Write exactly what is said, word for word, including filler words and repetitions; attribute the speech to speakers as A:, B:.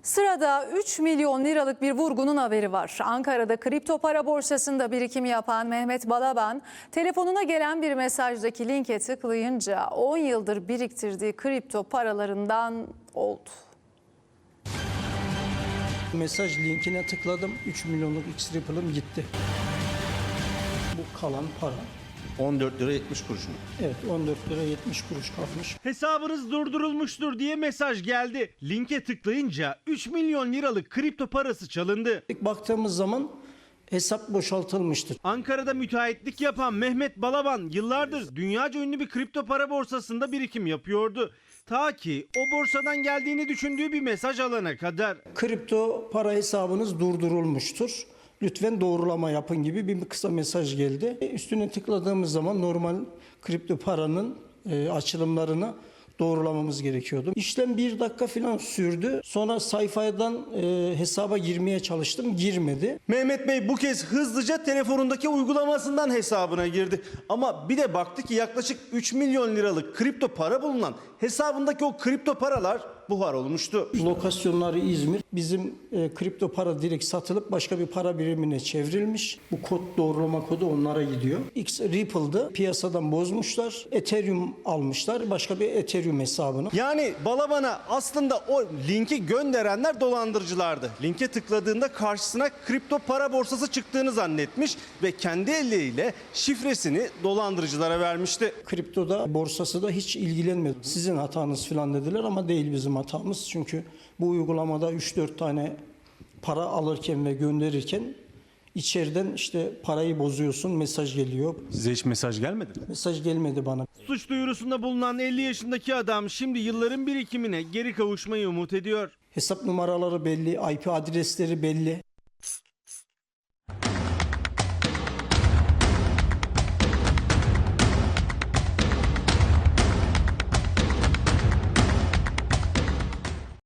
A: Sırada üç milyon liralık bir vurgunun haberi var. Ankara'da kripto para borsasında birikim yapan Mehmet Balaban, telefonuna gelen bir mesajdaki linke tıklayınca on yıldır biriktirdiği kripto paralarından oldu.
B: Mesaj linkine tıkladım. üç milyonluk X-Ripple'ım gitti. Bu kalan para.
C: on dört lira yetmiş kuruş mu?
B: Evet, on dört lira yetmiş kuruş kalmış.
D: Hesabınız durdurulmuştur diye mesaj geldi. Linke tıklayınca üç milyon liralık kripto parası çalındı.
B: İlk baktığımız zaman hesap boşaltılmıştır.
D: Ankara'da müteahhitlik yapan Mehmet Balaban yıllardır dünyaca ünlü bir kripto para borsasında birikim yapıyordu. Ta ki o borsadan geldiğini düşündüğü bir mesaj alana kadar.
B: Kripto para hesabınız durdurulmuştur. Lütfen doğrulama yapın gibi bir kısa mesaj geldi. Üstüne tıkladığımız zaman normal kripto paranın e, açılımlarını doğrulamamız gerekiyordu. İşlem bir dakika falan sürdü. Sonra sayfadan e, hesaba girmeye çalıştım. Girmedi.
C: Mehmet Bey bu kez hızlıca telefonundaki uygulamasından hesabına girdi. Ama bir de baktı ki yaklaşık üç milyon liralık kripto para bulunan hesabındaki o kripto paralar buhar olmuştu.
B: Lokasyonları İzmir. Bizim e, kripto para direkt satılıp başka bir para birimine çevrilmiş. Bu kod doğrulama kodu onlara gidiyor. X-Ripple'dı. Piyasadan bozmuşlar. Ethereum almışlar. Başka bir Ethereum hesabını.
C: Yani Balaban'a aslında o linki gönderenler dolandırıcılardı. Linke tıkladığında karşısına kripto para borsası çıktığını zannetmiş ve kendi elleriyle şifresini dolandırıcılara vermişti.
B: Kriptoda borsası da hiç ilgilenmedi. Sizin hatanız falan dediler ama değil bizim hatamız. Çünkü bu uygulamada üç dört tane para alırken ve gönderirken içeriden işte parayı bozuyorsun, mesaj geliyor.
E: Size hiç mesaj gelmedi mi?
B: Mesaj gelmedi bana.
D: Suç duyurusunda bulunan elli yaşındaki adam şimdi yılların birikimine geri kavuşmayı umut ediyor.
B: Hesap numaraları belli, I P adresleri belli.